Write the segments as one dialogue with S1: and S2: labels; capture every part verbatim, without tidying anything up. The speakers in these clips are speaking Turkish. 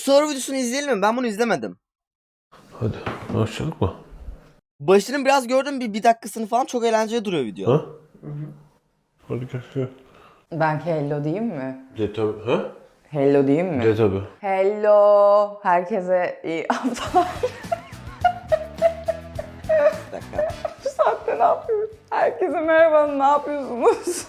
S1: sahur videosunu izleyelim mi? Ben bunu izlemedim.
S2: Hadi başladık mı?
S1: Başını biraz gördüm, bir, bir dakikasını falan, çok eğlenceli duruyor video.
S2: Ha? Hı hı. Hadi gel.
S3: Ben hello diyeyim mi?
S2: De tabi. Ha?
S3: Hello diyeyim mi?
S2: De tabi.
S3: Hello. Herkese iyi haftalar.
S1: Bir dakika.
S3: Bu saatte ne yapıyoruz? Herkese merhaba, ne yapıyorsunuz?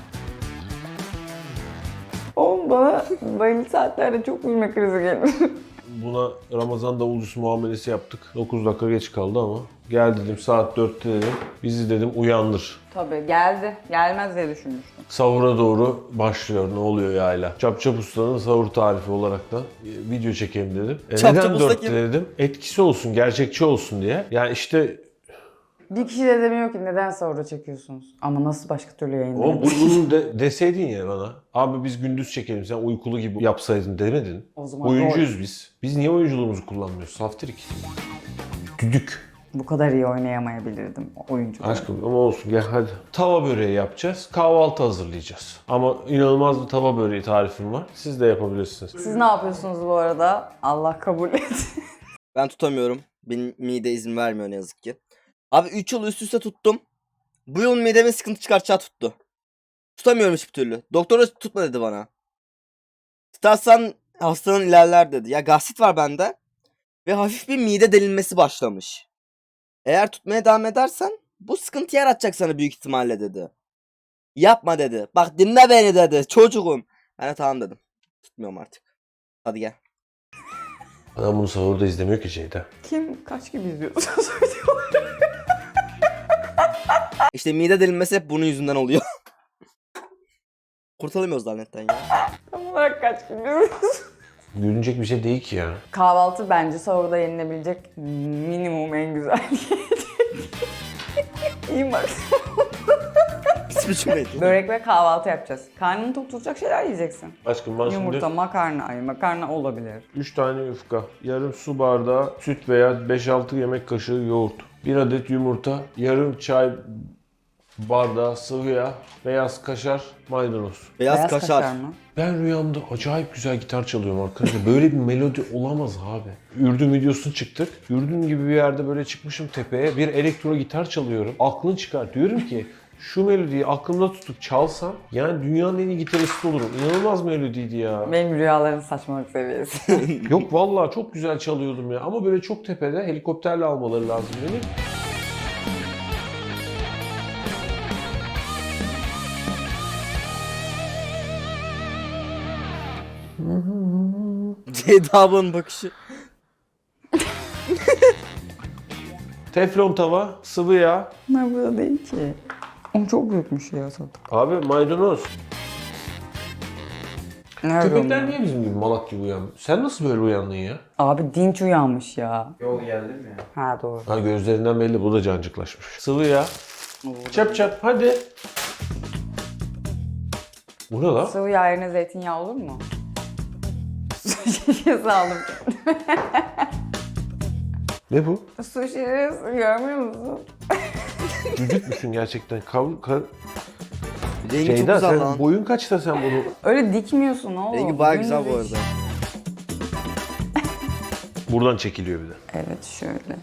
S3: Oğlum bana bayılı saatlerde çok gülme krizi gelir.
S2: Buna Ramazan davulcusu muamelesi yaptık. dokuz dakika geç kaldı ama. Gel dedim saat dörtte dedim. Bizi dedim uyandır.
S3: Tabii geldi. Gelmez diye düşünmüştüm.
S2: Sahura doğru başlıyor. Ne oluyor yayla? Çapçap Usta'nın sahur tarifi olarak da e, video çekeyim dedim. E,
S1: Çap Çap
S2: neden
S1: Usta
S2: dörtte
S1: kim?
S2: dedim? Etkisi olsun, gerçekçi olsun diye. Yani işte
S3: Bir kişi de demiyor ki neden sahura çekiyorsunuz? Ama nasıl başka türlü
S2: o
S3: yayınlayabiliriz?
S2: bunu de, deseydin ya bana. Abi biz gündüz çekelim, sen uykulu gibi yapsaydın demedin.
S3: O zaman
S2: Oyuncuyuz biz. Biz niye oyunculuğumuzu kullanmıyoruz? Saftirik. Düdük.
S3: Bu kadar iyi oynayamayabilirdim oyuncu.
S2: Aşkım ama olsun gel hadi. Tava böreği yapacağız. Kahvaltı hazırlayacağız. Ama inanılmaz bir tava böreği tarifim var. Siz de yapabilirsiniz.
S3: Siz ne yapıyorsunuz bu arada? Allah kabul etsin.
S1: Ben tutamıyorum. Benim mide izin vermiyor ne yazık ki. Abi üç yıl üst üste tuttum. Bu yıl mideme sıkıntı çıkartacağı tuttu. Tutamıyorum hiçbir türlü. Doktor da tutma dedi bana. Tutarsan hastalığın ilerler dedi. Ya gastrit var bende. Ve hafif bir mide delinmesi başlamış. Eğer tutmaya devam edersen bu sıkıntı yaratacak sana büyük ihtimalle dedi. Yapma dedi. Bak dinle beni dedi. Çocuğum. Ben de tamam dedim. Tutmuyorum artık. Hadi gel.
S2: Adam bunu sahurda izlemiyor ki Ceyda.
S3: Kim kaç gibi izliyorsunuz videoları?
S1: İşte mide delinmesi hep bunun yüzünden oluyor. Kurtulamıyoruz lanetten ya.
S3: Tam olarak kaç gibi izliyorsunuz?
S2: Gülünecek bir şey değil ki ya.
S3: Kahvaltı bence sahurda yenilebilecek minimum en güzel yiyecek. İyi bak.
S1: Pis bir cümleydi.
S3: Börek ve kahvaltı yapacağız. Karnını tok tutacak şeyler yiyeceksin.
S2: Aşkım ben
S3: Yumurta,
S2: şimdi
S3: makarna, ay makarna olabilir.
S2: üç tane yufka, yarım su bardağı süt veya beş altı yemek kaşığı yoğurt, bir adet yumurta, yarım çay bardağı sıvı yağ, beyaz kaşar, maydanoz.
S1: Beyaz,
S3: Beyaz
S1: kaşar.
S3: kaşar mı?
S2: Ben rüyamda acayip güzel gitar çalıyorum arkadaşlar. Böyle bir melodi olamaz abi. Ürdün videosunu çıktık. Ürdün gibi bir yerde böyle çıkmışım tepeye. Bir elektro gitar çalıyorum. Aklın çıkar. Diyorum ki şu melodiyi aklımda tutup çalsam yani dünyanın en iyi gitaristi olurum. İnanılmaz melodiydi ya.
S3: Benim rüyaların saçmalık seviyesi.
S2: Yok vallahi çok güzel çalıyordum ya. Ama böyle çok tepede helikopterle almaları lazım beni.
S1: Ceyda ablanın bakışı.
S2: Teflon tava, sıvı yağ.
S3: Bunlar burada değil ki. O çok büyükmüş ya zaten.
S2: Abi maydanoz.
S3: Nerede
S2: Köpekler
S3: onlar?
S2: niye bizim gibi malak gibi uyanmıyor? Sen nasıl böyle uyandın ya?
S3: Abi dinç uyanmış ya.
S4: Yol geldim ya.
S3: Ha doğru.
S2: Ha gözlerinden belli bu da cancıklaşmış. Sıvı yağ. Çap çap hadi. Bu ne lan?
S3: Sıvı yağ yerine zeytinyağı olur mu? Su şişesi aldım.
S2: Ne bu?
S3: Su şişesi görmüyor musun?
S2: Düdük müsün gerçekten? Kav ka
S1: Rengi çok
S2: Ceyda
S1: güzel
S2: sen
S1: lan.
S2: boyun kaçta sen bunu?
S3: Öyle dikmiyorsun oğlum.
S1: Rengi baya güzel bu
S3: Dümdüz.
S1: arada.
S2: Buradan çekiliyor bir de.
S3: Evet şöyle.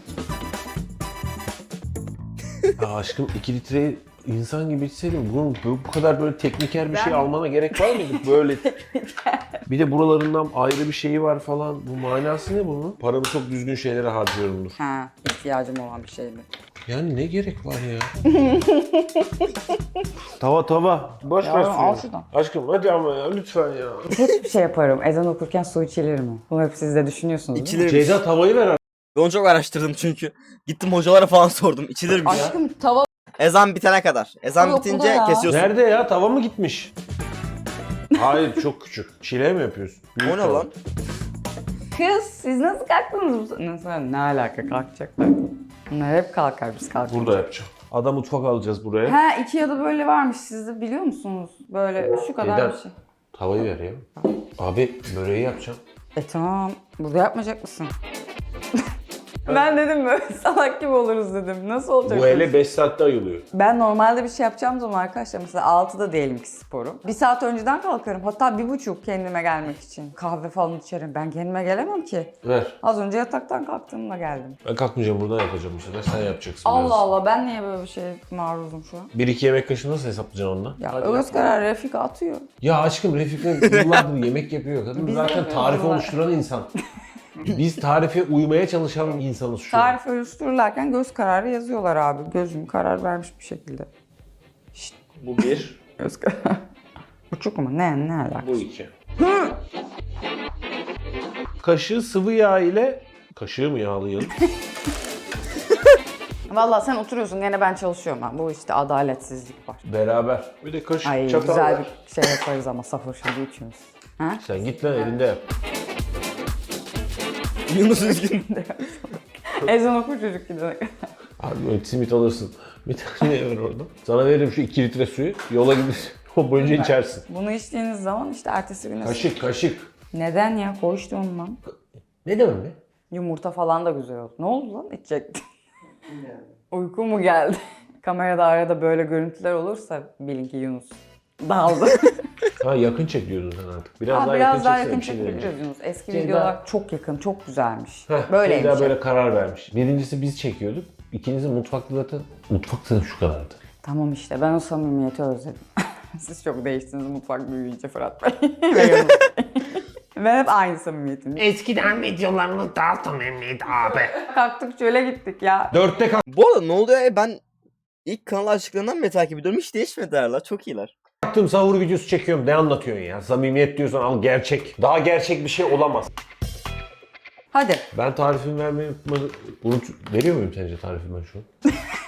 S2: Ya aşkım iki litreyi insan gibi içseydim bunun bu bu kadar böyle tekniker bir şey
S3: Ben-
S2: almana gerek var mıydı? Böyle. Bir de buralarından ayrı bir şeyi var falan. Bu manası ne bunun? Paramı çok düzgün şeylere harcıyorumdur.
S3: Ha, ihtiyacım olan bir şeydi.
S2: Yani ne gerek var ya? Tava tava. Boş ver
S3: Yavrum, al
S2: suyu.
S3: şuradan.
S2: Aşkım hadi ama ya lütfen ya.
S3: Hiçbir şey yaparım. Ezan okurken su içilir mi? Bunu hep siz de düşünüyorsunuz değil mi?
S1: İçilir mi?
S2: Ceyda tavayı ver.
S1: Ben onu çok araştırdım çünkü. Gittim hocalara falan sordum. İçilir mi ya?
S3: Aşkım tava
S1: Ezan bitene kadar. Ezan
S3: Yok,
S1: bitince
S3: bu da ya.
S1: kesiyorsun.
S2: Nerede ya? Tava mı gitmiş? Hayır çok küçük. Çile mi yapıyorsun? Büyük
S1: O ne
S2: tava.
S1: lan?
S3: Kız siz nasıl kalktınız? bu- Nasıl? Ne alaka kalkacaklar? Bunlar hep kalkar biz kalkıyoruz.
S2: Burada yapacağım. Ada mutfak alacağız buraya.
S3: Ha iki ya da böyle varmış siz de biliyor musunuz? Böyle şu kadar
S2: Neden?
S3: bir şey.
S2: Tavayı ver ya. Abi böreği yapacağım.
S3: E tamam. Burada yapmayacak mısın? Ben dedim böyle salak gibi oluruz dedim. Nasıl olacak?
S2: Bu hele beş saatte ayılıyor.
S3: Ben normalde bir şey yapacağım zaman arkadaşlar mesela altıda diyelim ki sporum. Bir saat önceden kalkarım. Hatta bir buçuk kendime gelmek için. Kahve falan içerim. Ben kendime gelemem ki.
S2: Ver.
S3: Az önce yataktan kalktığımda geldim.
S2: Ben kalkmayacağım, buradan yapacağım bu sefer. Sen yapacaksın
S3: Allah
S2: biraz.
S3: Allah ben niye böyle bir şeye maruzum şu an?
S2: Bir iki yemek kaşığı nasıl hesaplayacaksın onunla?
S3: Ya
S2: Hadi
S3: Öz Karar Refika atıyor.
S2: Ya aşkım Refik'le yıllardır yemek yapıyor. Kadın
S3: Biz
S2: zaten
S3: yapıyoruz
S2: tarifi
S3: ama.
S2: oluşturan insan. Biz tarife uymaya çalışan insanız şu an.
S3: Tarif oluştururlarken göz kararı yazıyorlar abi. Gözüm karar vermiş bir şekilde.
S2: Bu bir,
S3: Göz kararı. Buçuk mu? Ne? Ne alaka?
S2: bu iki. Kaşığı sıvı yağ ile... Kaşığı mı yağlayalım?
S3: Vallahi sen oturuyorsun gene ben çalışıyorum ha. Bu işte adaletsizlik var.
S2: Beraber. Bir de kaşık,
S3: Ay
S2: çatal
S3: güzel
S2: ver.
S3: bir şey yaparız ama sahur şimdi üçümüz. Ha?
S2: Sen git lan elinde yap.
S1: Yunus üzgün.
S3: Ezan okur çocuk gidene kadar.
S2: Abi böyle simit alırsın. Bir tane ver orada. Sana veririm şu iki litre suyu. Yola gidersin. O boyunca içersin.
S3: Bunu içtiğiniz zaman işte ertesi güne...
S2: Kaşık kaşık.
S3: Neden ya? Koy işte ondan.
S2: Ne demek be?
S3: Yumurta falan da güzel oldu. Ne oldu lan? İçecektin. Uyku mu geldi? Kamerada arada böyle görüntüler olursa bilin ki Yunus daldı.
S2: Ha yakın çek diyordun sen artık. Biraz
S3: Aa,
S2: daha
S3: biraz
S2: yakın
S3: daha
S2: çeksene
S3: yakın
S2: bir şey
S3: çekebiliriz
S2: diyeceğim.
S3: Yunus. Eski
S2: Ceyda-
S3: videolar çok yakın, çok güzelmiş.
S2: Heh,
S3: Böyleymiş.
S2: Ceyda böyle karar vermiş. Birincisi biz çekiyorduk. İkincisi mutfakta zaten. Mutfakta şu kadardı.
S3: Tamam işte ben o samimiyeti özledim. Siz çok değiştiniz mutfak büyüyünce Fırat Bey. Ve Yunus Bey. Ben hep aynı samimiyetim.
S2: Eskiden videolarımız daha samimiydi abi.
S3: Kalktık çöle gittik ya.
S2: Dörtte
S1: Bu arada ne oluyor ya, ben ilk kanal açtıklarından beri takip ediyorum. Hiç değişmediler la. Çok iyiler.
S2: kalktım sahur videosu çekiyorum. Ne anlatıyorsun ya? Samimiyet diyorsan al gerçek. Daha gerçek bir şey olamaz.
S3: Hadi.
S2: Ben tarifimi vermeyi unutmadım. Unut... Veriyor muyum sence tarifimi ben şu an?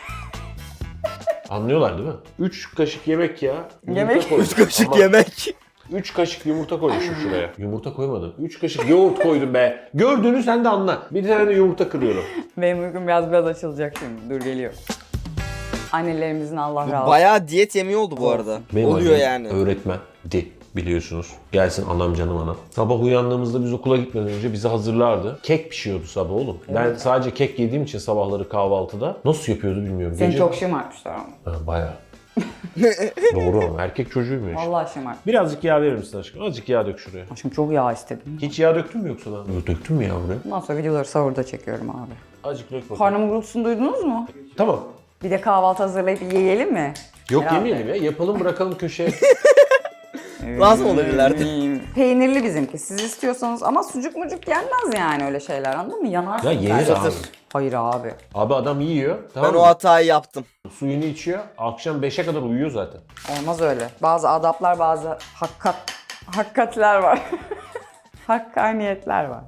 S2: Anlıyorlar değil mi? üç kaşık yemek ya.
S3: Yemek?
S1: Üç kaşık yemek.
S2: üç kaşık yumurta koymuşum şuraya. Yumurta koymadım. üç kaşık yoğurt koydum be. Gördüğünü sen de anla. Bir tane de yumurta kırıyorum.
S3: Benim uykum biraz biraz açılacak şimdi. Dur geliyor. Annelerimizin Allah razı olsun.
S1: Bayağı diyet yemeği oldu bu arada.
S2: Benim
S1: Oluyor
S2: annem
S1: yani.
S2: öğretmendi biliyorsunuz. Gelsin anam canım anam. Sabah uyandığımızda biz okula gitmeden önce bizi hazırlardı. Kek pişiyordu sabah oğlum. Ben sadece kek yediğim için sabahları kahvaltıda nasıl yapıyordu bilmiyorum.
S3: Seni
S2: Gece...
S3: çok şımartmışlar ama.
S2: Ha, bayağı. Doğru ama erkek çocuğuymuş.
S3: Vallahi şımart.
S2: Birazcık yağ verir misin aşkım? Azıcık yağ dök şuraya.
S3: Aşkım çok yağ istedim.
S2: Hiç yağ döktün mü yoksa lan? Yok, döktün mü yağ buraya?
S3: Bundan sonra videoları sahurda çekiyorum abi.
S2: Azıcık dök bakalım.
S3: Karnımın gurultusunu duydunuz mu?
S2: Tamam.
S3: Bir de kahvaltı hazırlayıp yiyelim mi?
S2: Yok
S3: Herhalde.
S2: yemeyelim ya. Yapalım bırakalım köşeye.
S1: Lazım olabilirlerdi.
S3: Peynirli bizimki. Siz istiyorsanız ama sucuk mucuk yenmez yani öyle şeyler anladın mı? Yanarsın.
S2: Ya yenir
S3: belki.
S2: abi.
S3: Hayır abi.
S2: Abi adam yiyor. Tamam
S1: Ben o
S2: mı?
S1: hatayı yaptım.
S2: Suyunu içiyor. Akşam beşe kadar uyuyor zaten.
S3: Olmaz öyle. Bazı adaplar, bazı hakkat, hakkatler var. Hakkaniyetler var.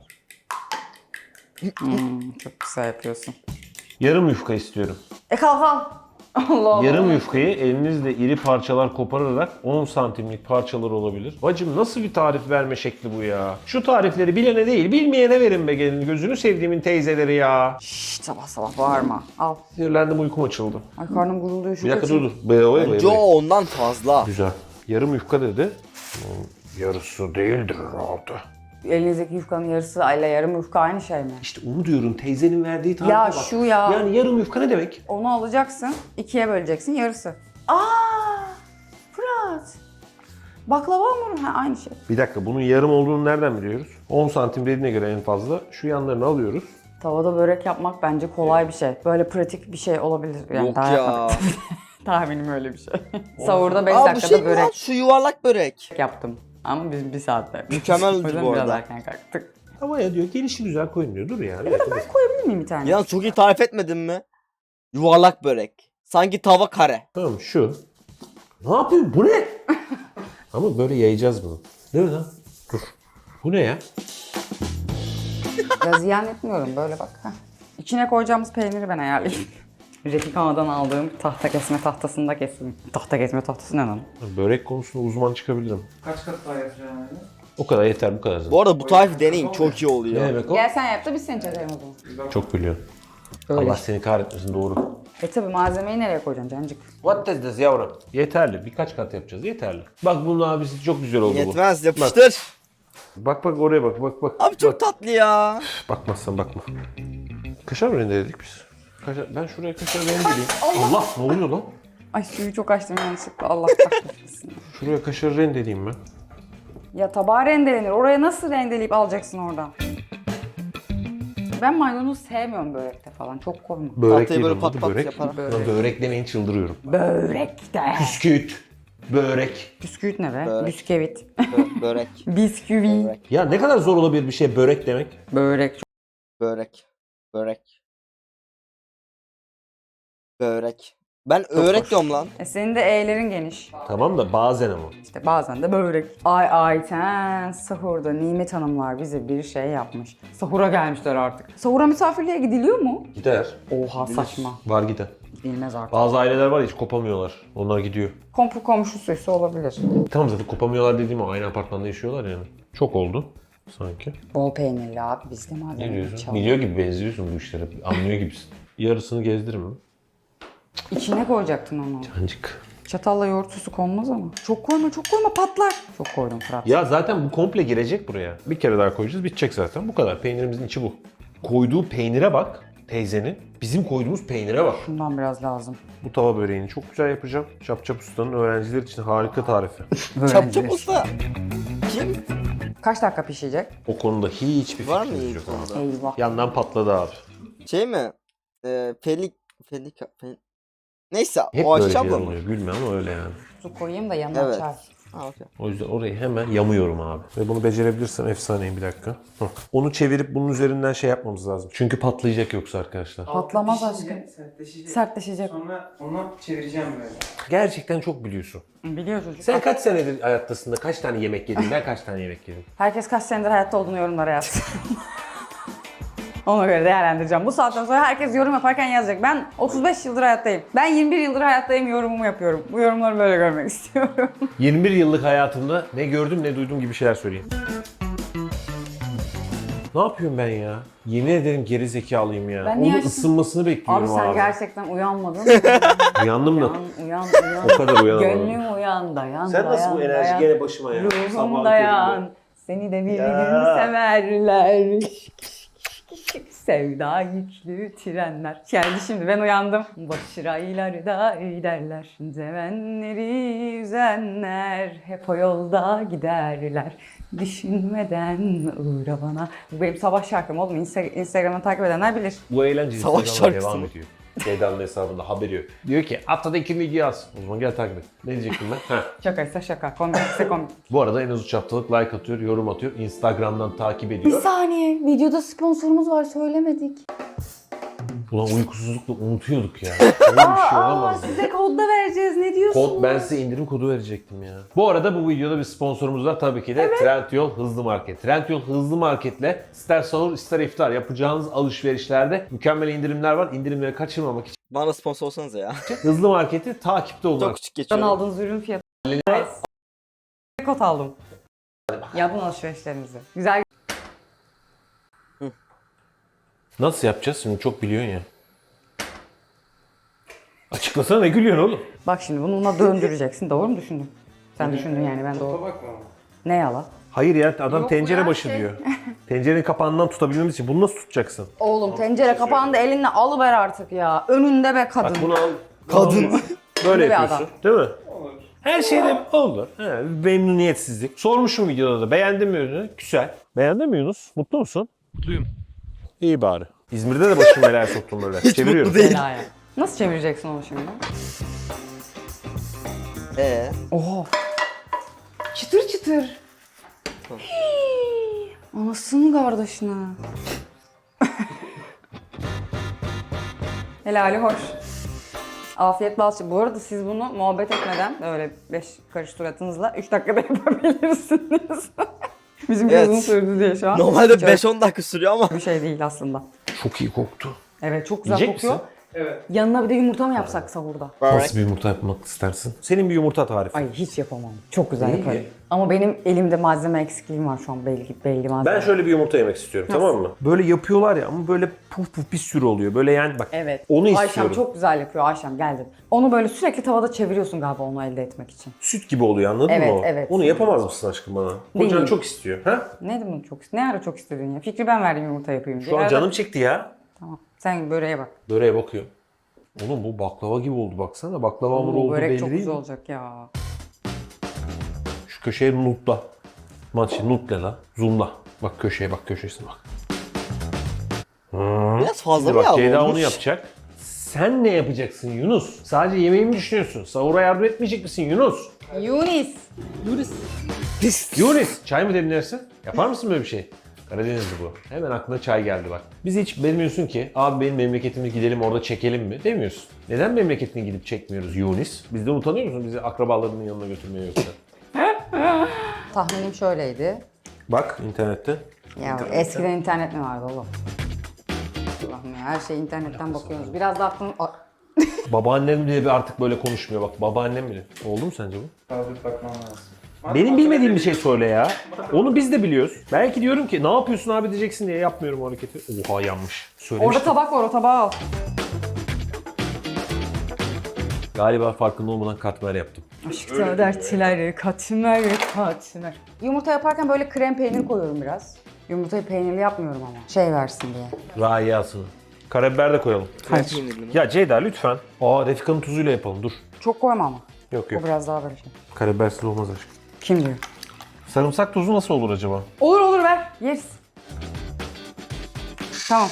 S3: Hmm, çok güzel yapıyorsun.
S2: Yarım yufka istiyorum.
S3: E kalk kalk. Allah Allah.
S2: Yarım yufkayı elinizle iri parçalar kopararak on santimlik parçalar olabilir. Bacım nasıl bir tarif verme şekli bu ya? Şu tarifleri bilene değil bilmeyene verin be gelin. Gözünü sevdiğimin teyzeleri ya.
S3: Şşt, sabah sabah bağırma. Al.
S2: Sinirlendim uykum açıldı.
S3: Ay karnım gurulduyor şu
S2: Bir dakika
S3: kaçın.
S2: dur dur. Be, oy,
S1: Bence o ondan fazla.
S2: Güzel. Yarım yufka dedi. Yarısı değildir herhalde.
S3: Elinizdeki yufkanın yarısı ile yarım yufka aynı şey mi?
S2: İşte onu diyorum teyzenin verdiği tarife
S3: Ya
S2: bak.
S3: şu ya.
S2: Yani yarım yufka ne demek?
S3: Onu alacaksın, ikiye böleceksin, yarısı. Aa, Fırat. Baklava hamuru, ha aynı şey.
S2: Bir dakika bunun yarım olduğunu nereden biliyoruz? on santim dediğine göre en fazla. Şu yanlarını alıyoruz.
S3: Tavada börek yapmak bence kolay bir şey. Böyle pratik bir şey olabilir. Yani
S1: Yok
S3: daha
S1: ya.
S3: yapmadık. Tahminim öyle bir şey. Sahurda beş
S1: Aa bu
S3: dakikada
S1: şey mi
S3: börek
S1: lan? Şu yuvarlak börek.
S3: yaptım. Ama biz bir saatte.
S1: Mükemmel
S3: O yüzden
S1: bu
S3: biraz
S1: arada.
S3: erken kalktık.
S2: Ama ya diyor gelişi güzel koyun diyor. Dur ya. Bir dakika, dur.
S3: Koyabilir miyim bir tane?
S1: Ya çok iyi tarif etmedin mi? Yuvarlak börek. Sanki tava kare.
S2: Tamam şu. Ne yapıyorsun? Bu ne? Ama böyle yayacağız bunu. Değil mi lan? Dur. Bu ne ya?
S3: Ya ziyan etmiyorum böyle bak. Heh. İçine koyacağımız peyniri ben ayarlayayım. Refika'dan aldığım tahta kesme tahtasında kestim. Tahta kesme tahtası ne lan?
S2: Börek konusunda uzman çıkabilirim.
S4: Kaç kat daha yapacaksın abi?
S2: O kadar yeter bu kadar zaten.
S1: Bu arada bu tarifi deneyin. Çok iyi
S2: Ne
S1: oluyor.
S2: demek o?
S3: Gel sen yap da biz seni çekelim o zaman.
S2: Çok biliyorsun.
S3: Öyle.
S2: Allah seni kahretmesin doğru.
S3: E tabi malzemeyi nereye koyacaksın cancık?
S2: What is this yavrum? Yeterli. Birkaç kat yapacağız. Yeterli. Bak bunun abisi çok güzel oldu
S1: Yetmez yapıştır.
S2: bu. Bak bak oraya bak bak bak.
S1: Abi çok
S2: Bak.
S1: tatlı ya.
S2: Bakmazsan bakma. Kaşar mı rendeledik biz? Kaşar, ben şuraya kaşar rendeleyeyim. Allah ne oluyor lan?
S3: Ay suyu çok açtım yanlışlıkla. Allah kahretsin.
S2: Şuraya kaşar rendeleyeyim ben.
S3: Ya tabağa rendelenir. Oraya nasıl rendeleyip alacaksın oradan? Ben maydanoz sevmiyorum börekte falan. Çok koyma.
S2: Börek
S1: Tahtayı
S2: değil
S1: böyle
S2: onun
S1: pat
S2: adı,
S1: pat
S2: börek.
S1: yaparak.
S2: Börek. Börek demeyin çıldırıyorum.
S3: Börekte.
S2: Bisküvit. Börek.
S3: Bisküvit ne be?
S1: Börek.
S3: Bisküvit.
S1: Bö- börek.
S3: Bisküvi.
S1: Börek.
S2: Ya ne kadar zor olabilir bir şey börek demek?
S3: Börek.
S1: Börek. Börek. Börek. Ben örek
S2: hoş.
S1: diyorum lan.
S3: E senin de E'lerin geniş.
S2: Tamam da bazen ama.
S3: İşte bazen de börek. Ay Ayten sahurda Nimet Hanımlar bize bir şey yapmış. Sahura gelmişler artık. Sahura misafirliğe gidiliyor mu?
S2: Gider.
S3: Oha saçma.
S2: Var gider.
S3: Gidilmez artık.
S2: Bazı aileler var ya hiç kopamıyorlar. Onlar gidiyor.
S3: Kompu komşusuysa olabilir.
S2: Tamam zaten kopamıyorlar dediğim o aynı apartmanda yaşıyorlar yani. Çok oldu sanki.
S3: Bol peynirli abi biz de
S2: Ne
S3: malzeme
S2: diyorsun?
S3: çalalım.
S2: Biliyor gibi benziyorsun bu işlere. Anlıyor gibisin. Yarısını gezdirir mi?
S3: İçine koyacaktın onu.
S2: Cancık.
S3: Çatalla yoğurt sosu konmaz ama. Çok koyma çok koyma patlar. Çok koydum Fırat.
S2: Ya zaten bu komple girecek buraya. Bir kere daha koyacağız bitecek zaten. Bu kadar. Peynirimizin içi bu. Koyduğu peynire bak teyzenin. Bizim koyduğumuz peynire bak.
S3: Şundan biraz lazım.
S2: Bu tava böreğini çok güzel yapacağım. Çapçap Usta'nın öğrenciler için harika tarifi.
S1: Çap çap usta. Kim?
S3: Kaç dakika pişecek?
S2: O konuda hiçbir
S1: Var mı
S2: fikrimiz
S1: iyi
S2: yok
S1: konuda?
S2: abi.
S3: Eyvah.
S2: Yandan patladı abi.
S1: Şey mi? Ee, Felik... Felik... Fel... Neyse
S2: Hep
S1: o
S2: böyle
S1: aşağı
S2: şeyler
S1: mı?
S2: oluyor. Gülme ama öyle yani.
S3: Su koyayım da yanına
S1: Evet.
S3: çay.
S1: Ha okey.
S2: O yüzden orayı hemen yamıyorum abi. Ve bunu becerebilirsem efsaneyim bir dakika. Hah. Onu çevirip bunun üzerinden şey yapmamız lazım. Çünkü patlayacak yoksa arkadaşlar.
S3: Patlamaz
S4: Pişince
S3: aşkım.
S4: Sertleşecek.
S3: Sertleşecek.
S4: Sonra onu çevireceğim böyle.
S2: Gerçekten çok biliyorsun.
S3: Biliyor çocuk.
S2: Sen kaç senedir hayattasın da kaç tane yemek yedin? Ben kaç tane yemek yedim?
S3: Herkes kaç senedir hayatta olduğunu yorumlara yazsın. Ona göre değerlendireceğim. Bu saatten sonra herkes yorum yaparken yazacak. Ben otuz beş yıldır hayattayım. Ben yirmi bir yıldır hayattayım yorumumu yapıyorum. Bu yorumları böyle görmek istiyorum.
S2: yirmi bir yıllık hayatımda ne gördüm ne duydum gibi şeyler söyleyeyim. Ne yapıyorum ben ya? Yemin ederim geri zekalıyım ya.
S3: Ben niye
S2: Onun
S3: açtım?
S2: ısınmasını
S3: Abi
S2: bekliyorum
S3: sen
S2: abi.
S3: gerçekten uyanmadın.
S2: Uyandım da.
S3: uyan, uyan, uyan.
S2: O kadar uyanamadım.
S3: Gönlüm uyan, dayan,
S2: Sen nasıl
S3: dayan,
S2: bu enerji
S3: dayan.
S2: gene başıma ya?
S3: Ruhum
S2: Sabahın
S3: dayan.
S2: köründe.
S3: Seni de bir
S2: Ya.
S3: gün severler. Sevda yüklü trenler. Geldi şimdi ben uyandım. Başı raylarda giderler. Sevenleri üzenler. Hep o yolda giderler. Düşünmeden uğra bana. Bu benim sabah şarkım oğlum. Insta- Instagram'ı takip edenler bilir.
S2: Bu eğlence
S1: Savaş
S2: Instagram'da
S1: şarkısı
S2: devam
S1: mı?
S2: ediyor. Ceyda'nın hesabında haberi yok. Diyor ki haftada iki video yaz. O zaman gel takip et. Ne diyecektim ben? Heh.
S3: Şakaysa şaka, komikse komik.
S2: Bu arada en az üç haftalık like atıyor, yorum atıyor. Instagram'dan takip
S3: Bir
S2: ediyor.
S3: saniye, videoda sponsorumuz var söylemedik.
S2: Ulan uykusuzlukla unutuyorduk ya. Öyle bir şey
S3: Aa,
S2: olamaz. ya.
S3: size kod da vereceğiz. Ne diyorsunuz?
S2: Kod, ben size indirim kodu verecektim ya. Bu arada bu videoda bir sponsorumuz var tabii ki de Trendyol Hızlı Market. Trendyol Hızlı Market'le ister sahur ister iftar yapacağınız alışverişlerde mükemmel indirimler var. İndirimleri kaçırmamak için
S1: Bana sponsor olsanıza ya.
S2: Hızlı Market'i takipte olun.
S1: Çok küçük
S3: Ben
S1: geçiyorum.
S3: aldığınız ürün fiyatı. Nice. Kod aldım. Yapın alışverişlerinizi. Güzel.
S2: Nasıl yapacağız şimdi çok biliyorsun ya. Açıklasana ne gülüyorsun oğlum?
S3: Bak şimdi bunu buna döndüreceksin. Doğru mu düşündüm? Sen düşündün yani ben doğru.
S4: Bakma ama.
S3: Ne yala?
S2: Hayır ya adam
S3: Yok
S2: tencere
S3: ya,
S2: başı
S3: şey.
S2: diyor. Tencerenin kapağından tutabilmemiz için bunu nasıl tutacaksın?
S3: Oğlum tencere kapağını da elinle alıver artık ya. Önünde be kadın.
S2: Bak bunu al.
S1: Kadın.
S2: Böyle
S3: Bir
S2: yapıyorsun değil mi?
S4: Olur.
S2: Her şeyde olur. He, memnuniyetsizlik. Sormuşum videoda da beğendin mi ürünü? Güzel. Beğendin mi Yunus? Mutlu musun?
S4: Mutluyum.
S2: İyi bari. İzmir'de de başım belaya soktum böyle.
S1: Hiç
S2: Çeviriyorum.
S1: mutlu değil.
S3: Belaya. Nasıl çevireceksin onu şimdi?
S1: Ee,
S3: Oha. Çıtır çıtır. Hii, Anasının kardeşine. Helali hoş. Afiyet bal şeker. Bu arada siz bunu muhabbet etmeden böyle beş karış suratınızla üç dakikada yapabilirsiniz. Bizim
S1: Evet.
S3: uzun sürdü diye şu an.
S1: normalde
S3: Hiç öyle
S1: beş on dakika sürüyor ama.
S3: bir şey değil aslında.
S2: Çok iyi koktu.
S3: Evet çok güzel
S2: Yiyecek
S3: kokuyor.
S2: misin?
S4: Evet.
S3: Yanına bir de yumurta mı yapsak sahurda?
S2: Nasıl bir yumurta yapmak istersin? Senin bir yumurta tarifi.
S3: Ay hiç yapamam. Çok güzel
S2: İyi.
S3: yaparım. Ama benim elimde malzeme eksikliğim var şu an belli belli malzeme.
S2: Ben şöyle bir yumurta yemek istiyorum tamam mı? Böyle yapıyorlar ya ama böyle puf puf bir sürü oluyor. Böyle yani bak
S3: Evet.
S2: onu
S3: Ayşem
S2: istiyorum.
S3: çok güzel yapıyor. Ayşem geldi. Onu böyle sürekli tavada çeviriyorsun galiba onu elde etmek için.
S2: Süt gibi oluyor anladın
S3: Evet,
S2: mı o?
S3: evet.
S2: Onu yapamaz mısın aşkım bana? Kocan
S3: Değil.
S2: çok istiyor. Ha?
S3: Ne demek çok ne ara çok istedin ya? Fikri ben verdim yumurta yapayım diye.
S2: Şu an
S3: Arada-
S2: canım çekti ya.
S3: Tamam. Sen böreğe bak.
S2: Böreğe bakıyorum. Oğlum bu baklava gibi oldu baksana. Baklava hamuru
S3: Oo,
S2: olduğu
S3: börek
S2: belli
S3: çok
S2: değil
S3: güzel
S2: mi?
S3: olacak ya.
S2: Şu köşeye nutla. Maçı nutle la. Zoomla. Bak köşeye bak köşesine bak. Hmm.
S1: Biraz fazla
S2: Şimdi
S1: mı
S2: bak
S1: yağlı
S2: Ceyda
S1: olmuş?
S2: onu yapacak. Sen ne yapacaksın Yunus? Sadece yemeği mi düşünüyorsun? Sahura yardım etmeyecek misin Yunus?
S3: Yunis.
S1: Pis.
S2: Yunus! Çay mı demlersin? Yapar mısın böyle bir şey? Karadenizli bu. Hemen aklına çay geldi bak. Bizi hiç demiyorsun ki abi benim memleketime gidelim orada çekelim mi? Demiyorsun. Neden memleketine gidip çekmiyoruz Yunus? Bizden utanıyor musun bizi akrabalarının yanına götürmeye yoksa?
S3: Tahminim şöyleydi.
S2: Bak internette.
S3: Ya eskiden internet mi vardı oğlum? Allah'ım ya her şey internetten bakıyoruz. Biraz da aklım... A-
S2: Babaannem bile bir artık böyle konuşmuyor bak. Babaannem bile. Oldu mu sence bu?
S4: Kaldırıp bakmam lazım.
S2: Benim bilmediğim bir şey söyle ya. Onu biz de biliyoruz. Belki diyorum ki ne yapıyorsun abi diyeceksin diye yapmıyorum o hareketi. Oha yanmış. Söylemiştim.
S3: Orada tabak var, o tabağı al.
S2: Galiba farkında olmadan katmer yaptım.
S3: Aşkta dertler, katmer, katmer. Yumurta yaparken böyle krem peynir koyuyorum biraz. Yumurtayı peynirli yapmıyorum ama. Şey versin diye.
S2: Rayasını. Karabiber de koyalım.
S3: Hayır.
S2: Ya Ceyda lütfen. Aa Refika'nın tuzuyla yapalım dur.
S3: Çok koyma ama.
S2: Yok
S3: O
S2: yok.
S3: biraz daha böyle şey.
S2: Karabibersiz olmaz aşkım.
S3: Kim diyor?
S2: Sarımsak tuzu nasıl olur acaba?
S3: Olur olur ver. Yeriz. Tamam.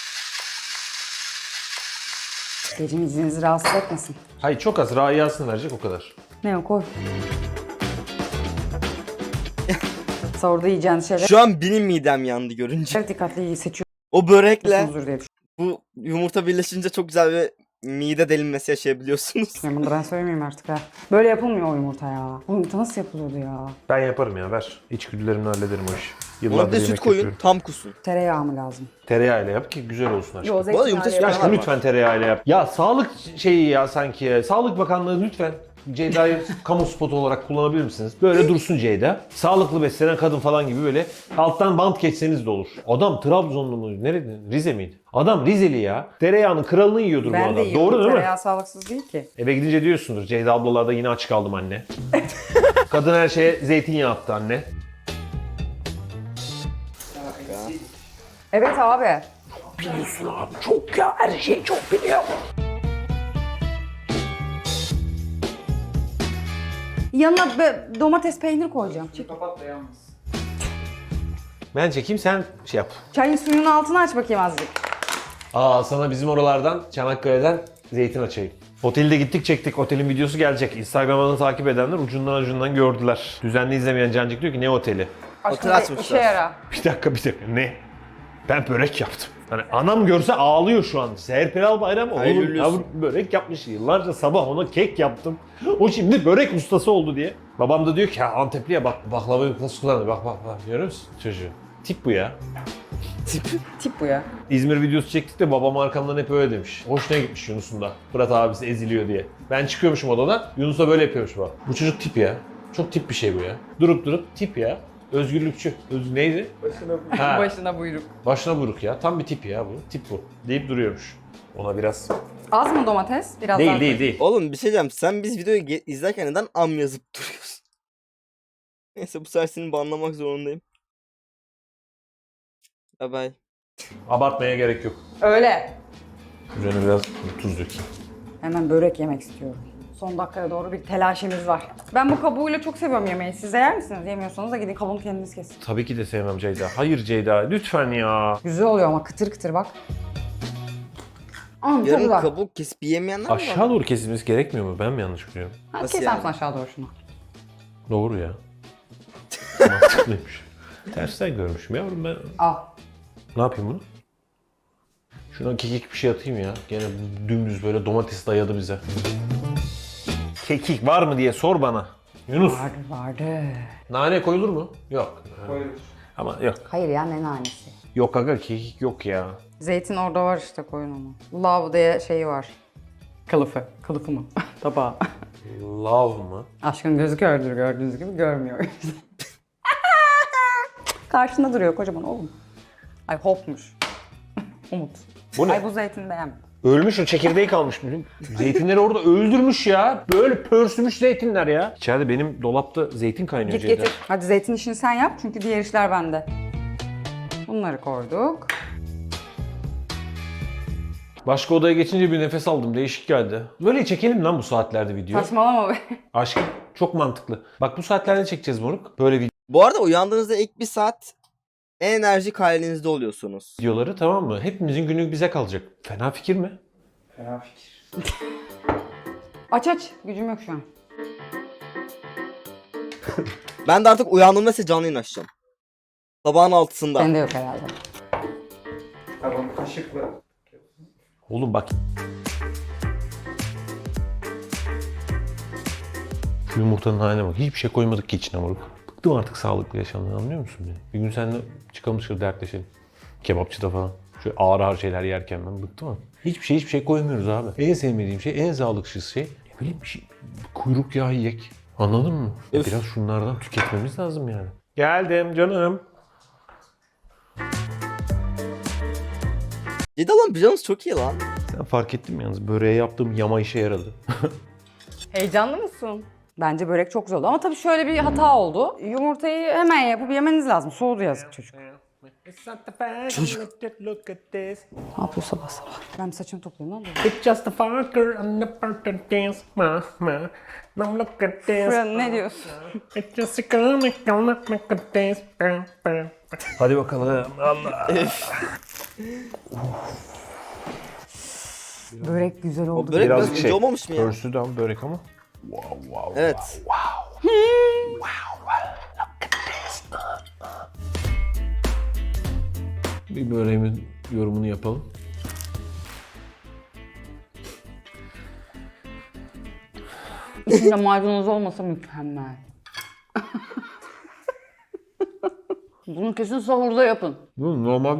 S3: Gecim izninizi rahatsız etmesin.
S2: Hayır çok az rayasını verecek o kadar.
S3: Ne o koy. Sahurda yiyeceğiniz şeyler.
S1: Şu an benim midem yandı görünce.
S3: Dikkatli seçiyorsunuzdur
S1: O börekle
S3: diye
S1: bu yumurta birleşince çok güzel bir mide delinmesi yaşayabiliyorsunuz.
S3: düşünüyorum. Bunu da ben söylemeyeyim artık ha. Böyle yapılmıyor o yumurta ya. Bu yumurta nasıl yapılıyordu ya?
S2: Ben yaparım ya ver. İçgüdülerimle hallederim o işi.
S1: Ona
S2: Yıllardır
S1: da
S2: yemek
S1: süt koyun
S2: yapıyorum.
S1: tam kusun.
S3: Tereyağı mı lazım?
S2: Tereyağıyla yap ki güzel olsun aşkım.
S3: Yo,
S1: Bu arada yumurta
S3: zeytinyağı
S1: süt
S2: Ya
S1: var.
S2: aşkım lütfen tereyağıyla yap. Ya sağlık şeyi ya sanki ya. Sağlık Bakanlığı lütfen Ceyda'yı kamu spotu olarak kullanabilir misiniz? Böyle dursun Ceyda. Sağlıklı beslenen kadın falan gibi böyle alttan bant geçseniz de olur. Adam Trabzonlu mu? Nerede? Rize miydi? Adam Rizeli ya. Tereyağının kralını yiyordur bu
S3: Ben
S2: adam.
S3: de yiyorum.
S2: Doğru değil mi?
S3: Tereyağı sağlıksız değil ki.
S2: Eve gidince diyorsundur Ceyda ablalarda yine aç kaldım anne. Kadın her şeye zeytinyağı attı anne.
S3: Evet abi.
S2: Biliyorsun abi çok ya her şeyi çok biliyor.
S3: Yanına be- domates peynir koyacağım. Çık.
S4: Kapat da yalnız.
S2: Ben çekeyim sen şey yap.
S3: Çayın suyunun altını aç bakayım azıcık.
S2: Aa sana bizim oralardan Çanakkale'den zeytin açayım. Otelde gittik çektik. Otelin videosu gelecek. Instagram'dan takip edenler ucundan ucundan gördüler. Düzenli izlemeyen Cancık diyor ki ne oteli?
S3: Aşkım
S1: açmışlar.
S3: işe yara.
S2: Bir dakika bir dakika ne? Ben börek yaptım. Hani anam görse ağlıyor şu an. Serpilal Bayram
S1: Hayırlı
S2: oğlum
S1: olsun.
S2: yavrum börek yapmış. Yıllarca sabah ona kek yaptım. O şimdi börek ustası oldu diye. Babam da diyor ki ha Antepli'ye bak baklavayı nasıl kullanıyor. Bak bak bak görüyor musun çocuğu? Tip bu ya.
S3: Tip bu ya.
S2: İzmir videosu çektik de babam arkamdan hep öyle demiş. Hoşuna gitmiş Yunus'un da. Fırat abisi eziliyor diye. Ben çıkıyormuşum odadan. Yunus'a böyle yapıyormuş bak. Bu çocuk tip ya. Çok tip bir şey bu ya. Durup durup tip ya. Özgürlükçü. Öz neydi?
S4: Başına bu.
S2: Ha.
S3: Başına buyruk.
S2: Başına buyruk ya. Tam bir tip ya bu. Tip bu. Deyip duruyormuş. Ona biraz...
S3: Az mı domates? Biraz
S2: Değil
S3: daha.
S2: değil değil.
S1: Oğlum bir şey diyeceğim. Sen biz videoyu ge- izlerken neden am yazıp duruyorsun? Neyse bu sefer seni banlamak zorundayım. Bye bye.
S2: Abartmaya gerek yok.
S3: Öyle.
S2: Üzerine biraz tuz dökeyim.
S3: Hemen börek yemek istiyorum. Son dakikaya doğru bir telaşemiz var. Ben bu kabuğuyla çok seviyorum yemeği. Siz de yer misiniz? Yemiyorsanız da gidin kabuğunu kendiniz kesin.
S2: Tabii ki de sevmem Ceyda. Hayır Ceyda lütfen ya.
S3: Güzel oluyor ama kıtır kıtır bak. Aa, çok
S1: Yarın
S3: güzel.
S1: kabuk kesip yiyemeyenler mi var?
S2: Aşağı doğru kesilmesi gerekmiyor mu? Ben mi yanlış biliyorum?
S3: Ha,
S1: Nasıl
S3: keser
S1: yani?
S3: misin aşağı doğru şunu?
S2: Doğru ya. Mantıklıymış. Tersten görmüşüm yavrum ben.
S3: Al.
S2: Ne yapayım bunu? Şuna kekik bir şey atayım ya. Gene dümdüz böyle domates dayadı bize. Kekik var mı diye sor bana. Yunus.
S3: Vardı vardı.
S2: Nane koyulur mu? Yok.
S4: Koyulur.
S2: Ama yok.
S3: Hayır ya ne nanesi.
S2: Yok aga kekik yok ya.
S3: Zeytin orada var işte koyun onu. Love diye şeyi var. Kılıfı. Kılıfı mı? Tabağı.
S2: Love mı?
S3: Aşkın gözü kördür gördüğünüz gibi görmüyor. Karşında duruyor kocaman oğlum. Ay hopmuş. Umut.
S2: Bu ne?
S3: Ay bu zeytini beğenmedim.
S2: Ölmüş o çekirdeği kalmış. Bizim zeytinleri orada öldürmüş ya. Böyle pörsümüş zeytinler ya. İçeride benim dolapta zeytin kaynıyor
S3: Git
S2: Ceyda.
S3: getir. Hadi zeytin işini sen yap çünkü diğer işler bende. Bunları koyduk.
S2: Başka odaya geçince bir nefes aldım. Değişik geldi. Böyle çekelim lan bu saatlerde video.
S3: Saçmalama be.
S2: Aşkım çok mantıklı. Bak bu saatlerde çekeceğiz moruk. Böyle
S1: Bu arada uyandığınızda ilk bir saat en enerjik halinizde oluyorsunuz.
S2: videoları, tamam mı? Hepimizin günlük bize kalacak. Fena fikir mi?
S4: Fena fikir.
S3: Aç aç. Gücüm yok şu an.
S1: Ben de artık uyandığımda size canlı yayın açacağım. Sabahın altısında.
S3: Bende yok herhalde.
S4: Tamam kaşıkla.
S2: Oğlum bak. Şu yumurtanın haline bak. Hiçbir şey koymadık ki içine moruk. Bıktım artık sağlıklı yaşamdan, anlıyor musun beni? Bir gün seninle çıkalım dışarı dertleşelim. Kebapçıda falan. Şöyle ağır ağır şeyler yerken ben bıktım ama. Hiçbir şey hiçbir şey koymuyoruz abi. En sevmediğim şey, en sağlıksız şey. Ne bileyim bir şey. Kuyruk yağı yiyek. Anladın mı? Ya
S1: Öf.
S2: biraz şunlardan tüketmemiz lazım yani. Geldim canım.
S1: Cidden lan pijamanız çok iyi lan.
S2: Sen fark ettin mi yalnız? Böreğe yaptığım yama işe yaradı.
S3: Heyecanlı mısın? Bence börek çok güzel oldu ama tabii şöyle bir hata oldu. Yumurtayı hemen yapıp yemeniz lazım. Soğudu yazık çocuk.
S2: Çocuk.
S3: Ne yapıyor sabah sabah? Ben bir saçımı toplayayım lan.
S2: It's just a fucker on the part of dance, ma, ma. Now look at this.
S3: Fırın ne diyorsun?
S2: It's just a comic, look at this. Hadi bakalım. Allah.
S3: Börek güzel
S1: O
S3: oldu.
S1: börek biraz
S2: Birazcık
S1: ince
S2: şey,
S1: olmamış mı ya?
S2: Pörsüdü ama börek ama. Wow, wow,
S1: Evet.
S2: wow, wow. Wow, look at this. Bir böreğimin yorumunu yapalım.
S3: İçinde maydanoz olmasa mükemmel. Bunu kesin sahurda yapın.
S2: Bu normal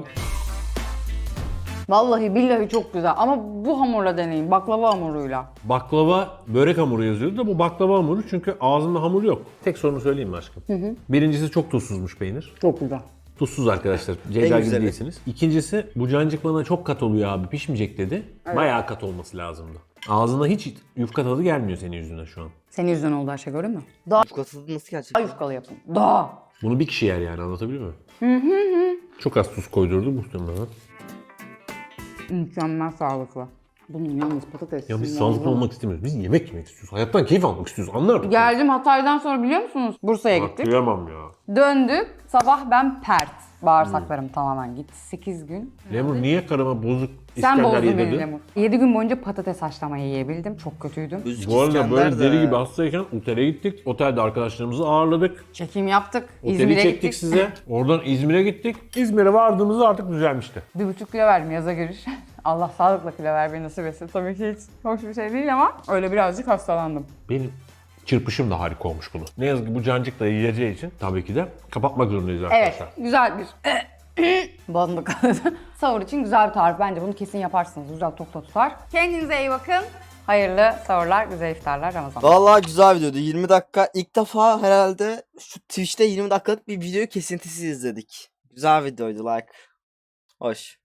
S3: Vallahi billahi çok güzel ama bu hamurla deneyin. Baklava hamuruyla.
S2: baklava börek hamuru yazıyordu da bu baklava hamuru çünkü ağzında hamur yok. Tek sorunu söyleyeyim mi aşkım? Birincisi çok tuzsuzmuş peynir.
S3: Çok güzel.
S2: Tuzsuz arkadaşlar. Ceyda gibi
S1: güzeli.
S2: değilsiniz. İkincisi bu cancık bana çok kat oluyor abi, pişmeyecek dedi. Bayağı kat olması lazımdı. Ağzına hiç yufka tadı gelmiyor senin yüzünden şu an.
S3: Senin yüzünden oldu her şey, gördün mü? Daha
S1: Yufka tadı nasıl gerçekten?
S3: yufkalı yapın. Daha.
S2: Bunu bir kişi yer yani, anlatabiliyor muyum? Çok az tuz koydurdu muhtemelen.
S3: Mükemmel sağlıklı. Bunun yalnız patates.
S2: Ya biz
S3: muazzam.
S2: sağlıklı olmak istemiyoruz. Biz yemek yemek istiyoruz. Hayattan keyif almak istiyoruz. Anlar
S3: Geldim Hatay'dan sonra biliyor musunuz? Bursa'ya gittik.
S2: Kıyamam ya.
S3: Döndük. Sabah ben pert. Bağırsaklarım tamamen gitti. sekiz gün.
S2: Lemur niye karıma bozuk
S3: Sen
S2: İskender
S3: bozdun beni
S2: yedirdin?
S3: Lemur. yedi gün boyunca patates haşlamayı yiyebildim. Çok kötüydüm.
S1: Üzgün
S2: Bu arada
S1: İskender
S2: böyle
S1: de.
S2: deli gibi hastayken otele gittik. Otelde arkadaşlarımızı ağırladık.
S3: Çekim yaptık.
S2: Oteli
S3: İzmir'e
S2: çektik
S3: gittik.
S2: size. Oradan İzmir'e gittik. İzmir'e vardığımızda artık düzelmişti.
S3: Bir buçuk kilo verdim yaza giriş. Allah sağlıkla kilo vermeyi nasip etsin. Tabii ki hiç hoş bir şey değil ama öyle birazcık hastalandım.
S2: Benim çırpışım da harika olmuş bunu. Ne yazık ki bu cancık da yiyeceği için tabii ki de kapatmak zorundayız arkadaşlar.
S3: Evet, güzel bir boğazımda kaldı. Sahur için güzel bir tarif. Bence bunu kesin yaparsınız. Güzel tok tok tutar. Kendinize iyi bakın. Hayırlı sahurlar, güzel iftarlar, Ramazan.
S1: Vallahi güzel videoydu. yirmi dakika. İlk defa herhalde şu Twitch'te yirmi dakikalık bir videoyu kesintisiz izledik. Güzel videoydu like. Hoş.